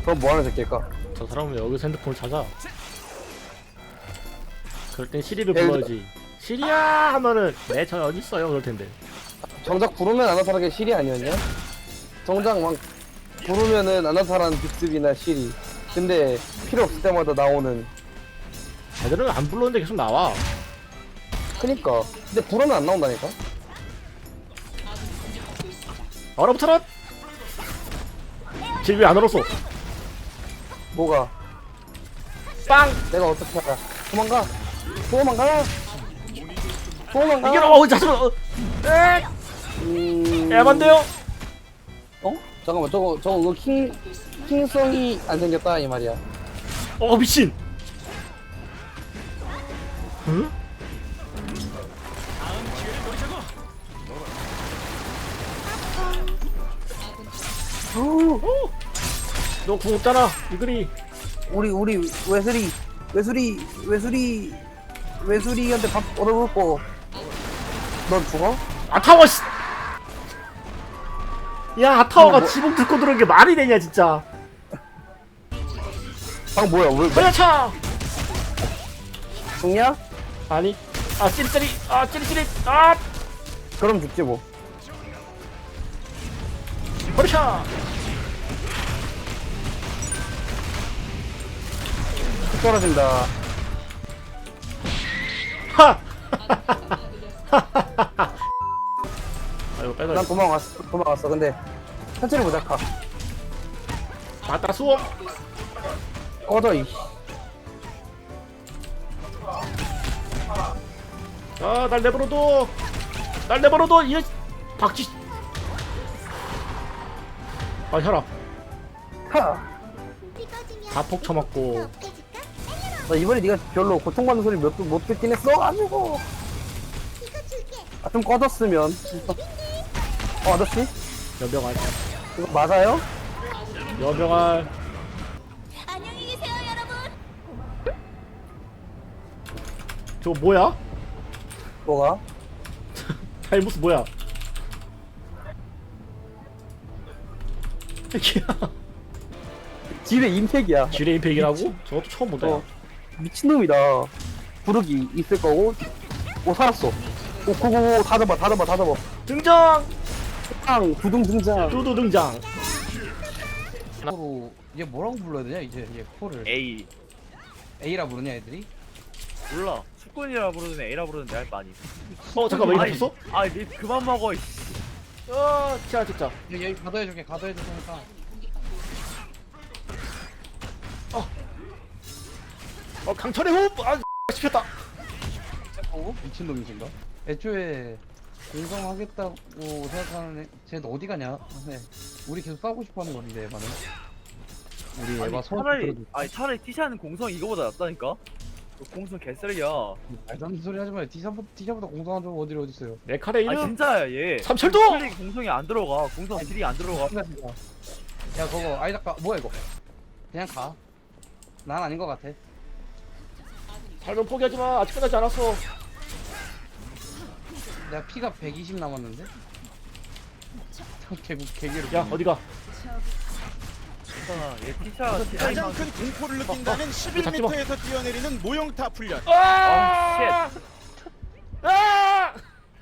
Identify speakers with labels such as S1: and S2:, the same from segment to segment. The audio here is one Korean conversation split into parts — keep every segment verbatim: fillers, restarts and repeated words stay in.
S1: 그럼 뭐하는 새끼일까?
S2: 저 사람은 여기서 핸드폰을 찾아. 그럴 땐 시리를
S1: 예를
S2: 불러야지. 시리야 하면은 네 저 어디 있어요 그럴 텐데.
S1: 정작 부르면 아나타라게 시리 아니었냐? 정작 막 부르면은 아나타라는 빅스비나 시리. 근데 필요 없을 때마다 나오는.
S2: 애들은 안 불렀는데 계속 나와.
S1: 그니까. 근데 부르면 안 나온다니까?
S2: 얼어붙어라. 질 왜 안 얼었어?
S1: 뭐가?
S2: 빵.
S1: 내가 어떻게 알아? 도망가! 도망가! 도망가!
S2: 이게 어우 자수로. 어. 에.
S1: 음...
S2: 에반데요.
S1: 어? 잠깐만 저거 저거 그 킹... 킹성이 안 생겼다 이 말이야.
S2: 어 미친. 응? 너궁 없잖아 이글이.
S1: 우리 우리 외술이 외술이 외술이 외술이한테 밥 얻어먹고 넌 죽어?
S2: 아타워 씨. 야 아타워가
S1: 뭐-
S2: 지붕 듣고 들어온 게 말이 되냐 진짜.
S1: 방 뭐야 왜
S2: 걸려차.
S1: 죽냐?
S2: 아니 아 찌릿찌릿 아 찌릿찌릿 아
S1: 그럼 죽지 뭐.
S2: 걸려차.
S1: 떨어진다.
S2: 하. 아이고 빼자.
S1: 난 도망갔어 도망갔어. 근데 천천히 보자. 가.
S2: 맞다 수업.
S1: 꺼져 이.
S2: 아날 내버려둬. 날 내버려둬 이 박쥐. 아 혈압.
S1: 하.
S2: 다폭 쳐맞고.
S1: 나 이번에 네가 별로 고통받는 소리 몇 못 듣긴 했어 가지고. 아, 좀 꺼졌으면. 어 아저씨?
S2: 여병알.
S1: 이거 맞아요?
S2: 여병알.
S3: 안녕히 계세요, 여러분.
S2: 저거 뭐야?
S1: 뭐가?
S2: 달무스 뭐야? 이야.
S1: 집에 임팩이야.
S2: 지뢰 임팩이라고? 저것도 처음 본다. 야.
S1: 어. 미친놈이다. 부르기 있을 거고. 오 살았어. 오 고고고 다 잡아 다 잡아 다 잡아.
S2: 등장.
S1: 땅 두둥 등장.
S2: 두두 등장.
S4: 코로 얘 뭐라고 불러야 되냐 이제 얘 코를
S5: A
S4: A라 부르냐 애들이?
S5: 몰라 축구이라 부르든 A라 부르든 내가 할거 아니.
S2: 어 잠깐만 이거 봤어?
S5: 아니 니 그만 먹어. 이씨.
S2: 어 진짜 진짜.
S4: 여기 여기 가둬해줄게 가둬해줄 테니까.
S2: 어 강철의 호흡. 아 씹혔다.
S4: 어? 미친놈이신가? 애초에 공성하겠다고 생각하는 애 쟤는 어디 가냐? 네. 우리 계속 싸우고 싶어하는 건데 에바는 우리 에바
S5: 아니
S4: 소원
S5: 차라리
S4: 들어도
S5: 아니 차라리 티샤는 공성 이거보다 낫다니까. 공성 개쓰레기야.
S4: 말도 안 되는 소리 하지 마요. D사보다, D사보다 공성한 적 어디를 어딨어요.
S2: 내 칼에
S5: 아
S2: 있는
S5: 진짜야 얘.
S2: 삼철도!
S5: 클릭 공성이 안 들어가. 공성 딜이 안 들어가.
S4: 진짜 진짜. 야 그거 아이다까 뭐야 이거 그냥 가. 난 아닌 것 같아.
S2: 삶은 포기하지 마. 아직 끝나지 않았어.
S4: 내가 피가 백이십 남았는데? 개구 개개로
S2: 야 어디가?
S5: 괜찮아. 얘 티샤 티샤
S6: 가장
S5: 이상.
S6: 큰 공포를 느낀다는 십일 미터에서 뛰어내리는 모형탑 훈련.
S2: 아! 아!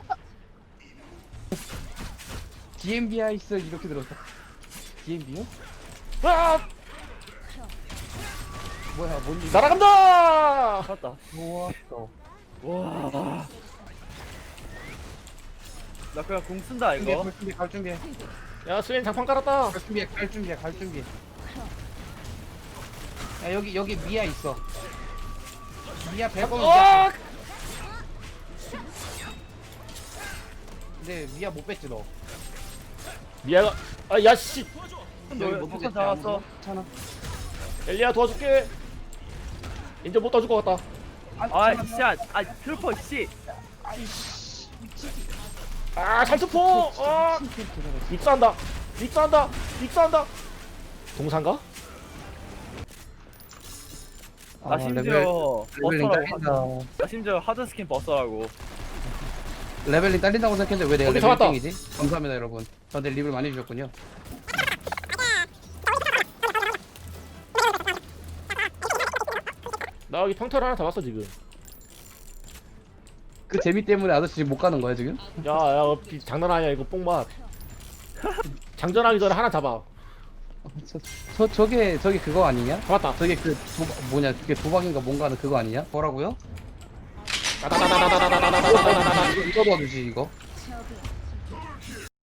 S4: 디엠비아 있어 이렇게 들었어. 디엠비요?
S2: 아!
S4: 뭐야 뭔 일?
S2: 날아간다.
S5: 맞다.
S4: 좋았어.
S5: 와. 나 그냥 공 쓴다
S4: 준비해,
S5: 이거.
S4: 갈 준비, 갈 준비,
S2: 야 스웨인 장판 깔았다.
S4: 갈 준비, 갈 준비, 갈 준비. 야 여기 여기 미아 있어. 미아 백 원.
S2: 아!
S4: 근데 미아 못 뺐지 너.
S2: 미아가 아 야씨.
S4: 여기
S5: 너
S4: 못
S5: 폭탄
S4: 뺐지,
S5: 잡았어.
S4: 아무도? 괜찮아.
S2: 엘리야 도와줄게. 이제 못 도와줄 것 같다.
S5: 아 진짜 아 트루퍼 씨.
S2: 아 살수포. 아 입사한다. 입사한다. 입사한다. 동산가?
S5: 나
S4: 아,
S5: 심지어
S4: 레벨링
S5: 버서라고.
S4: 딸린다.
S5: 하- 나 심지어 하드 스킨 버서라고.
S4: 레벨링 딸린다고 생각했는데 왜 내가
S2: 오케이,
S4: 레벨
S2: 잡았다.
S4: 일 등이지? 감사합니다 여러분. 저한테 립을 많이 주셨군요.
S2: 나 여기 평타를 하나 잡았어 지금.
S4: 그 재미 때문에 아저씨 지금 못 가는 거야 지금?
S2: 야야 장난 아니야 이거 뽕맛. 장전하기 전에 하나 잡아.
S4: 저, 저 저게 저게 그거 아니냐?
S2: 잡았다.
S4: 저게 그 도박 뭐냐 그게 도박인가 뭔가 하는 그거 아니냐? 뭐라고요?
S2: 따다다다다다다다다다다다다.
S4: 이거 이거 도와주지 이거.
S3: 저기